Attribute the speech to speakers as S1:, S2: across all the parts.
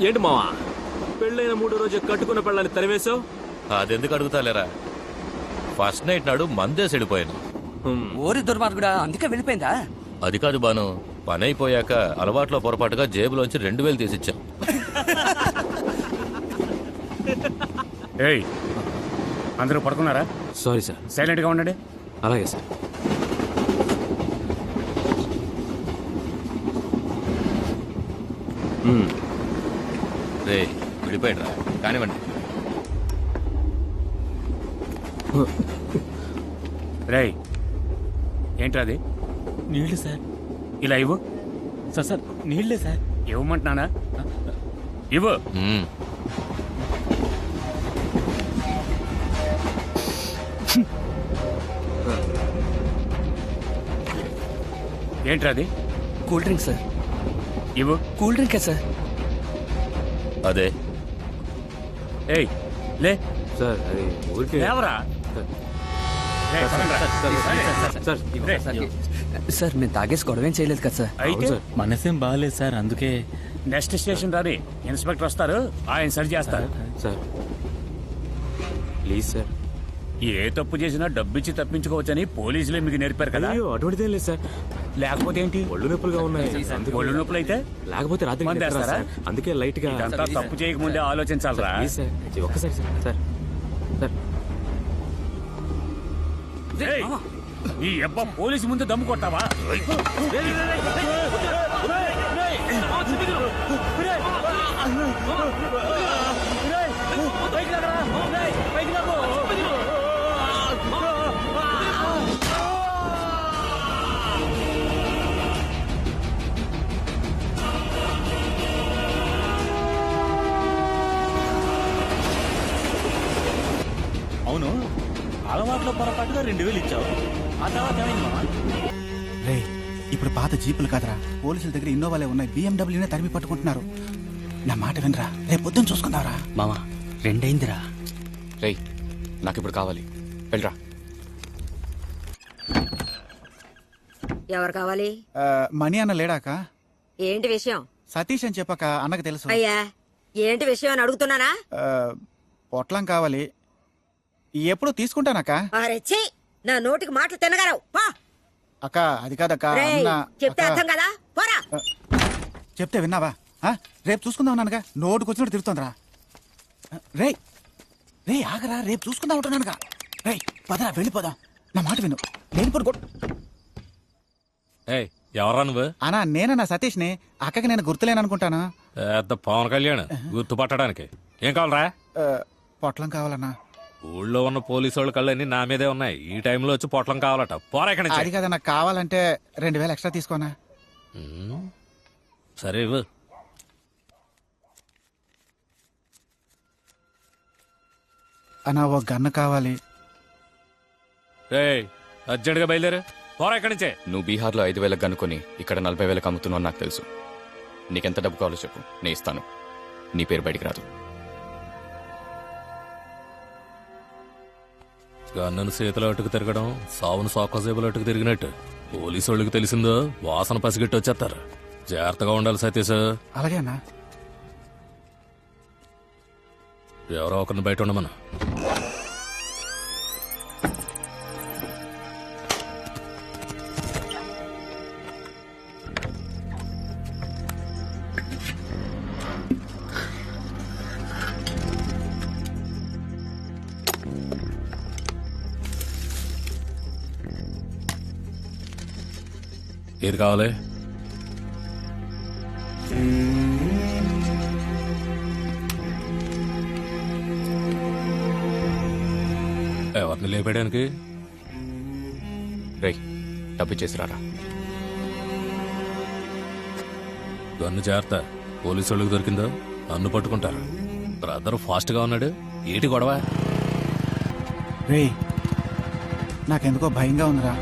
S1: ఏంటి మావా పెళ్ళైన 3 రోజు కట్టుకున్న పెళ్ళని తరివేశావు?
S2: అదెందుకు అడుగుతాలేరా, ఫస్ట్ నైట్ నాడు మందేసి వెళ్ళిపోయాను.
S3: ఓరి దుర్మార్గుడా, అందుకే వెళ్ళిపోయిందా?
S2: అది కాదు బాను, పని అయిపోయాక అలవాట్లో పొరపాటుగా జేబులోంచి 2000 తీసిచ్చాం.
S4: ఏయ్, అందరూ పడుకున్నారా?
S1: Sorry sir.
S4: సైలెంట్గా ఉండండి.
S1: అలాగే సార్.
S2: రే విడిపోయాడు రా, కానివ్వండి.
S4: రేయ్, ఏంట్రా అది?
S5: నీళ్లు సార్.
S4: ఇలా ఇవ్వు.
S5: సార్ నీళ్లే సార్.
S4: ఇవ్వమంటున్నానా? ఇవ్వు. ఏంట్రా అది?
S3: Cool drink sir.
S4: ఇవ్వు.
S3: కూల్ డ్రింకే సార్.
S2: అదే.
S4: ఏయ్ లే.
S1: సార్ అది ఊరికే.
S4: లేవరా. రేయ్, పదండ్రా.
S3: సార్ మేము తాగేసి గొడవేం చేయలేదు కదా సార్.
S4: అయితే
S5: మనసేం బాగాలేదు సార్, అందుకే.
S4: నెక్స్ట్ స్టేషన్ రాని ఇన్స్పెక్టర్ వస్తారు, ఆయన సరి చేస్తారు.
S1: Sir please sir.
S4: ఏ తప్పు చేసినా డబ్బిచ్చి తప్పించుకోవచ్చని పోలీసులే మీకు నేర్పారు కదా.
S1: అయ్యో అటువంటిదేం లేదు సార్.
S4: లేకపోతే ఏంటి?
S1: ఒళ్ళు నొప్పులుగా ఉన్నాయి.
S4: ఒళ్ళు నొప్పులు అయితే
S1: లేకపోతే రాత్రి
S4: మందు
S1: నిద్ర రాదు
S4: వేస్తారా?
S1: సార్. అందుకే లైట్ గా.
S4: ఇదంతా తప్పు చేయకముందే ఆలోచించాలరా.
S1: ప్లీజ్ సార్, ఒక్కసారి సార్. Sir sir.
S4: ఏయ్, ఈ అబ్బా పోలీసు ముందు దమ్ము కొట్టావా?
S5: అవును, అలవాట్లో పొరపాటుగా 2000 ఇచ్చావు. ఆ తర్వాత ఏమైంది మామ?
S6: రే, ఇప్పుడు పాత జీపులు కాదరా, పోలీసుల దగ్గర ఇన్నోవాలే ఉన్నాయి. BMW తరిమి పట్టుకుంటున్నారు. నా మాట వినరా, రేపు పొద్దున్న చూసుకుందావరా.
S3: మామా 2 అయిందిరా.
S7: రేయ్, నాకిప్పుడు కావాలి, వెళ్ళరా.
S8: ఎవరు కావాలి?
S6: మణి అన్న లేడాక?
S8: ఏంటి విషయం?
S6: సతీష్ అని చెప్పక అన్నకు తెలుసు.
S8: అయ్యా ఏంటి విషయం అని అడుగుతున్నానా?
S6: పొట్లం కావాలి, ఎప్పుడు తీసుకుంటానక్క.
S8: అరెచ్చి, నా నోటికి మాటలు తినగలవు.
S6: అక్క అది కాదక్క.
S8: చెప్తే అర్థం కదా, పోరా.
S6: చెప్తే విన్నావా? రేపు చూసుకుందాం నాన్నగా. నోటుకు వచ్చినట్టు తిరుగుతుందిరా. రే రే ఆగరా, రేపు చూసుకుందాం ఉంటున్నానుగా. రే పదరా, వెళ్ళిపోదాం. నా మాట విను. లేనిపోడు
S2: ఎవరా నువ్వు?
S6: అన్నా నేనన్నా సతీష్ని. అక్కకి నేను గుర్తులేననుకుంటాను.
S2: పెద్ద పవన్ కళ్యాణ్ గుర్తుపట్టడానికి. ఏం కావాలరా?
S6: పొట్లం కావాలన్నా.
S2: ఊళ్ళో ఉన్న పోలీసు వాళ్ళ కళ్ళన్నీ నా మీదే ఉన్నాయి. ఈ టైంలో వచ్చి పొట్లం కావాలట. పోరా ఇక్కడి నుంచి.
S6: అది కదా నాకు కావాలంటే 2000 ఎక్స్ట్రా తీసుకోనా?
S2: సరే ఇవ్వు.
S6: అన్నా ఓ గన్ను కావాలి.
S2: రేయ్, అర్జెంట్ గా బయలుదేరు. పోరా ఇక్కడి నుంచే.
S7: నువ్వు బీహార్లో 5000 కనుక్కొని ఇక్కడ 40,000 అమ్ముతున్నావు నాకు తెలుసు. నీకెంత డబ్బు కావాలో చెప్పు, నేను ఇస్తాను. నీ పేరు బయటికి రాదు.
S2: గన్నను చేతిలో అటుకు తిరగడం సావును సోకసేబులు అటుకు తిరిగినట్టు. పోలీసు వాళ్ళకి తెలిసిందో వాసన పసిగట్టి వచ్చేస్తారు. జాగ్రత్తగా ఉండాలి సతీష్.
S6: అలాగే అన్నా.
S2: ఎవరో ఒకరిని బయట ఉండమను. ఏది కావాలి? ఎవరిని లేపేయడానికి?
S7: రేయ్, డబ్బు చేసి రారా.
S2: గన్ను జాగ్రత్త, పోలీసు వాళ్ళకి దొరికిందో నన్ను పట్టుకుంటారు. బ్రదర్ ఫాస్ట్ గా ఉన్నాడు. ఏటి గొడవ?
S6: రే నాకెందుకో భయంగా ఉందిరా.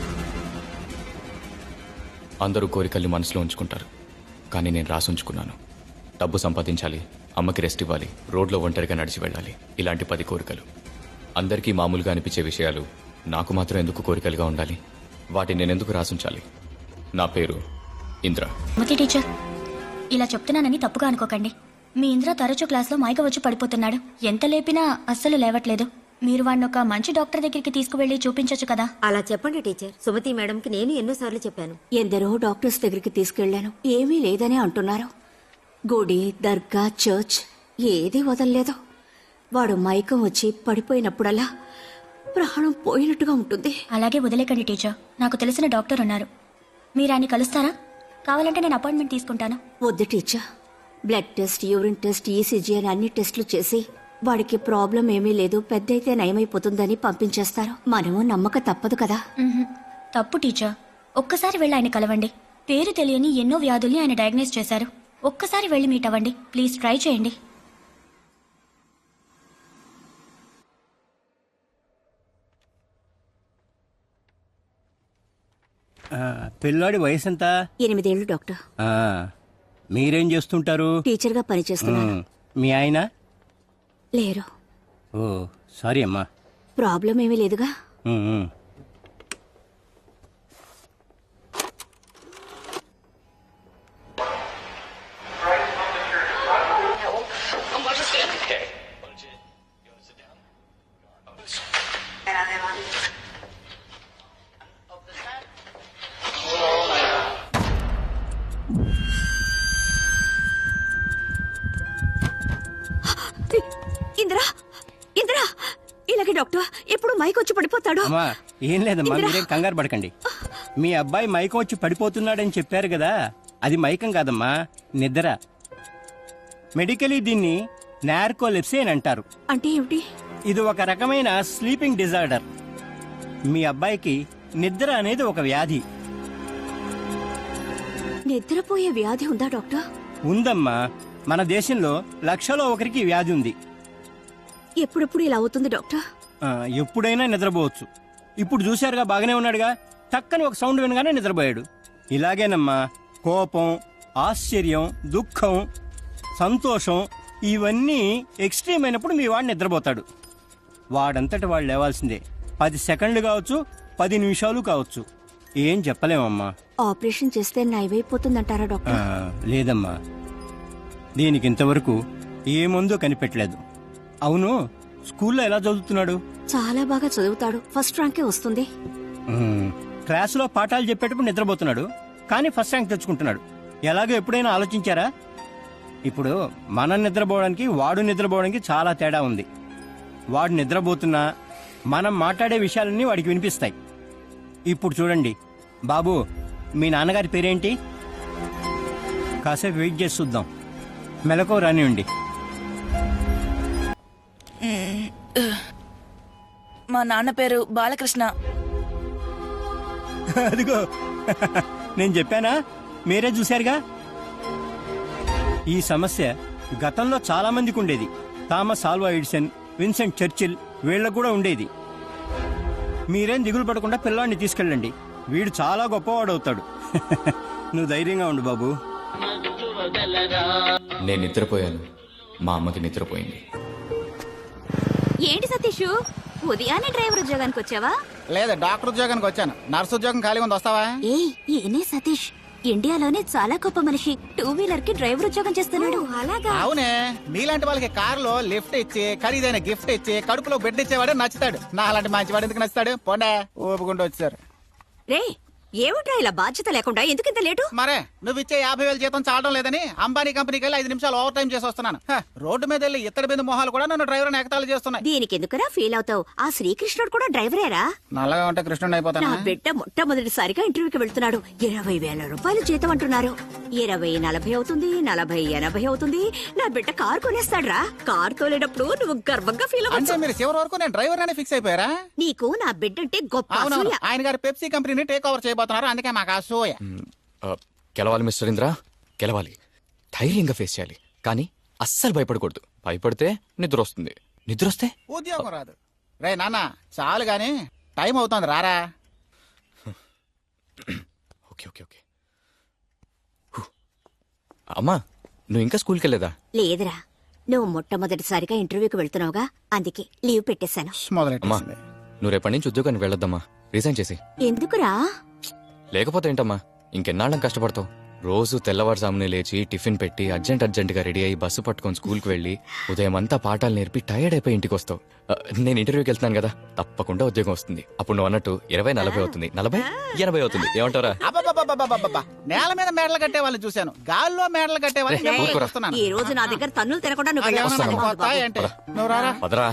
S7: అందరూ కోరికల్ని మనసులో ఉంచుకుంటారు, కానీ నేను రాసి ఉంచుకున్నాను. డబ్బు సంపాదించాలి, అమ్మకి రెస్ట్ ఇవ్వాలి, రోడ్లో ఒంటరిగా నడిచి వెళ్ళాలి. ఇలాంటి 10 కోరికలు. అందరికీ మామూలుగా అనిపించే విషయాలు నాకు మాత్రం ఎందుకు కోరికలుగా ఉండాలి? వాటిని నేనెందుకు రాసుంచాలి? నా పేరు ఇంద్ర.
S9: మతి టీచర్, ఇలా చెప్తున్నానని తప్పుగా అనుకోకండి. మీ ఇంద్ర తరచూ క్లాస్లో మైక వచ్చి పడిపోతున్నాడు. ఎంత లేపినా అస్సలు లేవట్లేదు. మీరు వాడిని ఒక మంచి డాక్టర్ దగ్గరికి తీసుకువెళ్ళి చూపించొచ్చు కదా.
S8: అలా చెప్పండి టీచర్. సుమతి మేడంకి నేను ఎన్నోసార్లు చెప్పాను.
S10: ఎందరో డాక్టర్స్ దగ్గరికి తీసుకెళ్లాను, ఏమీ లేదని అంటున్నారు. గుడి, దర్గా, చర్చ్ ఏదీ వదలలేదు. వాడు మైకం వచ్చి పడిపోయినప్పుడల్లా ప్రాణం పోయినట్టుగా ఉంటుంది.
S9: అలాగే వదిలేకండి టీచర్. నాకు తెలిసిన డాక్టర్ ఉన్నారు. మీరు ఆయన కలుస్తారా? కావాలంటే నేను అపాయింట్మెంట్ తీసుకుంటాను.
S10: వద్దు teacher. Blood test, urine test, ECG అని అన్ని టెస్టులు చేసి వాడికి ప్రాబ్లం ఏమీ లేదు, పెద్దయితే నయమైపోతుందని పంపించేస్తారు. మనము నమ్మక తప్పదు కదా.
S9: తప్పు టీచర్. ఒక్కసారి వెళ్ళి ఆయన కలవండి. పేరు తెలియని ఎన్నో వ్యాధుల్ని ఆయన డయాగ్నోస్ చేశారు. ఒక్కసారి వెళ్ళి మీట్ అవ్వండి. ప్లీజ్ ట్రై చేయండి.
S5: పిల్లాడి వయసు ఎంత?
S10: 8 ఏళ్ళు డాక్టర్.
S5: మీరేం చేస్తుంటారు?
S10: టీచర్గా పనిచేస్తున్నాను.
S5: మీ ఆయన?
S10: లేరు.
S5: ఓ సారీ అమ్మా.
S10: ప్రాబ్లం ఏమీ లేదుగా. ఇందిరా, ఇందిరా, ఇలాగే డాక్టర్ ఎప్పుడు మైక్ వచ్చి పడిపోతాడు.
S5: అమ్మా ఏం లేదమ్మా, మీరేం కంగారు పడకండి. మీ అబ్బాయి మైకం వచ్చి పడిపోతున్నాడని చెప్పారు కదా, అది మైకం కాదమ్మా, నిద్ర. మెడికలీ దీన్ని నార్కోలెప్సీ అని అంటారు.
S10: అంటే ఏమిటి?
S5: ఇది ఒక రకమైన స్లీపింగ్ డిజార్డర్. మీ అబ్బాయికి నిద్ర అనేది ఒక వ్యాధి.
S10: నిద్రపోయే వ్యాధి ఉందా డాక్టర్?
S5: ఉందమ్మా, మన దేశంలో 1,00,000లో ఒకరికి ఈ వ్యాధి ఉంది.
S10: ఎప్పుడెప్పుడు ఇలా అవుతుంది డాక్టర్?
S5: ఎప్పుడైనా నిద్రపోవచ్చు. ఇప్పుడు చూశారుగా, బాగానే ఉన్నాడుగా, టక్కని ఒక సౌండ్ వినగానే నిద్రపోయాడు. ఇలాగేనమ్మా, కోపం, ఆశ్చర్యం, దుఃఖం, సంతోషం ఇవన్నీ ఎక్స్ట్రీమ్ అయినప్పుడు మీ వాడు నిద్రపోతాడు. వాడంతటి వాడు లేవాల్సిందే. 10 సెకండ్లు కావచ్చు, 10 నిమిషాలు కావచ్చు, ఏం చెప్పలేమమ్మా.
S10: ఆపరేషన్ చేస్తే నయమైపోతుందంటారా డాక్టర్?
S5: లేదమ్మా, దీనికి ఇంతవరకు ఏ మందు కనిపెట్టలేదు. అవును, స్కూల్లో ఎలా చదువుతున్నాడు?
S10: చాలా బాగా చదువుతాడు, ఫస్ట్ ర్యాంకే వస్తుంది.
S5: క్లాసులో పాఠాలు చెప్పేటప్పుడు నిద్రపోతున్నాడు, కానీ ఫస్ట్ ర్యాంక్ తెచ్చుకుంటున్నాడు. ఎలాగో ఎప్పుడైనా ఆలోచించారా? ఇప్పుడు మనం నిద్రపోవడానికి వాడు నిద్రపోవడానికి చాలా తేడా ఉంది. వాడు నిద్రపోతున్నా మనం మాట్లాడే విషయాలన్నీ వాడికి వినిపిస్తాయి. ఇప్పుడు చూడండి బాబు, మీ నాన్నగారి పేరేంటి? కాసేపు వెయిట్ చేసి చూద్దాం, మెలకువ రానివ్వండి.
S11: మా నాన్న పేరు బాలకృష్ణ.
S5: అదిగో నేను చెప్పానా, మీరే చూశారుగా. ఈ సమస్య గతంలో చాలా మందికి ఉండేది. Thomas Alva Edison, Vincent Churchill వీళ్ళకు కూడా ఉండేది. మీరేం దిగులు పడకుండా పిల్లాడిని తీసుకెళ్ళండి, వీడు చాలా గొప్పవాడవుతాడు. నువ్వు ధైర్యంగా ఉండు బాబు.
S7: నేను నిద్రపోయాను, మా అమ్మకి నిద్రపోయింది.
S10: ఏంటి సతీష్, ఉదయాన్నే డ్రైవర్ ఉద్యోగానికి వచ్చావా?
S6: లేదా డాక్టర్ ఉద్యోగానికి వచ్చాను. నర్సు ఉద్యోగం ఖాళీగా ఉంది, వస్తావా?
S10: ఏనే సతీష్, ఇండియాలోనే చాలా గొప్ప మనిషి 2 వీలర్ కి డ్రైవర్ ఉద్యోగం చేస్తున్నాడు.
S8: అలాగా?
S6: అవునే, మీలాంటి వాళ్ళకి కారులో లిఫ్ట్ ఇచ్చి ఖరీదైన గిఫ్ట్ ఇచ్చి కడుపులో బెడ్ ఇచ్చేవాడు నచ్చుతాడు. నా అలాంటి మంచివాడు ఎందుకు నచ్చుతాడు? పోండే, ఊపుకుంటూ వచ్చారు.
S10: రే, ఏమిట్రా ఇలా బాధ్యత లేకుండా ఎందుకింత లేటు?
S6: మరే నువ్వు ఇచ్చే 50,000 జీతం చాలడం లేదని అంబానీ కంపెనీకి వెళ్ళి 5 నిమిషాలు ఓవర్ టైం చేసి వస్తున్నాను. రోడ్డు మీద వెళ్ళి ఇత్తడి బిందు మొహాలు కూడా నన్ను డ్రైవర్ ఎగతాళి చేస్తున్నాయి.
S10: దీనికి ఎందుకురా ఫీల్ అవుతావు? ఆ శ్రీకృష్ణుడు కూడా డ్రైవరేరా?
S6: నల్లగా ఉంటే కృష్ణుడు అయిపోతాను.
S10: నా బిడ్డ మొట్టమొదటిసారిగా ఇంటర్వ్యూకి వెళ్తున్నాడు. 20,000 రూపాయలు జీతం అంటున్నారు. 20, 40 అవుతుంది, 40, 80 అవుతుంది. నా బిడ్డ కారు కొనేస్తాడ్రా. కారు తోలేటప్పుడు నువ్వు గర్వంగా ఫీల్
S6: అంటే
S10: అవ్వచ్చు.
S6: మీరు చివరి వరకు నేను డ్రైవర్ అనే ఫిక్స్ అయిపోయారా?
S10: నీకు నా బిడ్డ అంటే గొప్ప
S6: అవునవును,
S10: అసూయ.
S6: ఆయన గారు పెప్సీ కంపెనీని టేక్ ఓవర్ చేయబోతున్నారు, అందుకే మాకు అసూయ.
S7: గెలవాలి మిస్టర్ ఇంద్ర, గెలవాలి. ధైర్యంగా ఫేస్ చేయాలి, కానీ అస్సలు భయపడకూడదు. భయపడితే నిద్ర వస్తుంది, నిద్ర వస్తే
S6: ఉద్యోగం రాదు. రే నాన్న, చాలు గాని టైం అవుతుంది, రారా.
S7: Okay okay okay. అమ్మా, నువ్వు ఇంకా స్కూల్కి వెళ్ళేదా?
S10: లేదురా, నువ్వు మొట్టమొదటిసారిగా ఇంటర్వ్యూకి వెళ్తున్నావుగా, అందుకే లీవ్ పెట్టేశాను.
S7: అమ్మా, నువ్వు రేపటి నుంచి ఉద్యోగానికి వెళ్ళొద్దమ్మా, రిజైన్ చేసి.
S10: ఎందుకురా?
S7: లేకపోతే ఏంటమ్మా, ఇంకెన్నాళ్ళం కష్టపడతావు? రోజు తెల్లవారుజామునే లేచి టిఫిన్ పెట్టి అర్జెంటుగా రెడీ అయ్యి బస్సు పట్టుకొని స్కూల్కి వెళ్ళి ఉదయం అంతా పాఠాలు నేర్పి టైర్డ్ అయిపోయి ఇంటికి వస్తావు. నేను ఇంటర్వ్యూకి వెళ్తున్నాను కదా, తప్పకుండా ఉద్యోగం వస్తుంది. అప్పుడు నువ్వు అన్నట్టు 20-40 అవుతుంది, 40-80 అవుతుంది. ఏమంటారా?
S6: అబ్బబ్బబ్బబ్బబ్బబ్బబ్బ. నేల మీద మేడలు కట్టే వాళ్ళని చూశాను, గాల్లో మేడలు కట్టే వాళ్ళని చూస్తున్నాను.
S10: ఈ రోజు నా దగ్గర తన్నులు తినకుండా నువ్వు
S6: అయ్యో,
S10: వెళ్ళావు.
S6: నాకు పోతాయి అంటే. నువ్వు రారా.
S7: పదరా.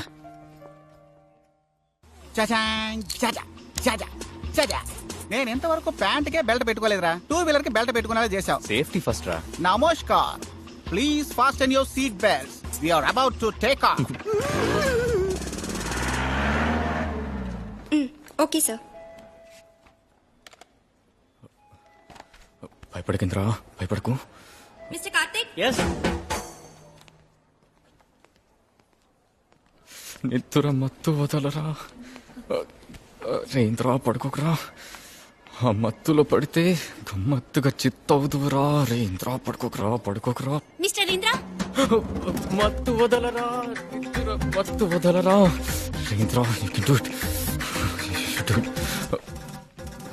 S6: చచాంగ్, చచా, చచా, చచా. నేను ఇంతవరకు ప్యాంట్కే బెల్ట్ పెట్టుకోలేదురా, 2 వీలర్ కి బెల్ట్ పెట్టుకునేలా చేశావు.
S7: సేఫ్టీ ఫస్ట్ రా.
S6: నమస్కార్, please fasten your seat belts. We are about to take off.
S9: Okay sir.
S7: భయపడకింద్రా, భయపడకు.
S9: మిస్టర్ కార్తిక్.
S7: నిద్ర మత్తు వదలరా. రేంద్రా, పడుకోకరా. ఆ మత్తులో పడితే గమ్మత్తుగా చిత్తవుదురా. రేంద్రా, పడుకోకరా.
S9: మిస్టర్ ఇంద్ర.
S7: మత్తు వదలరా, నిద్ర మత్తు వదలరా. రేంద్రా, you can do it.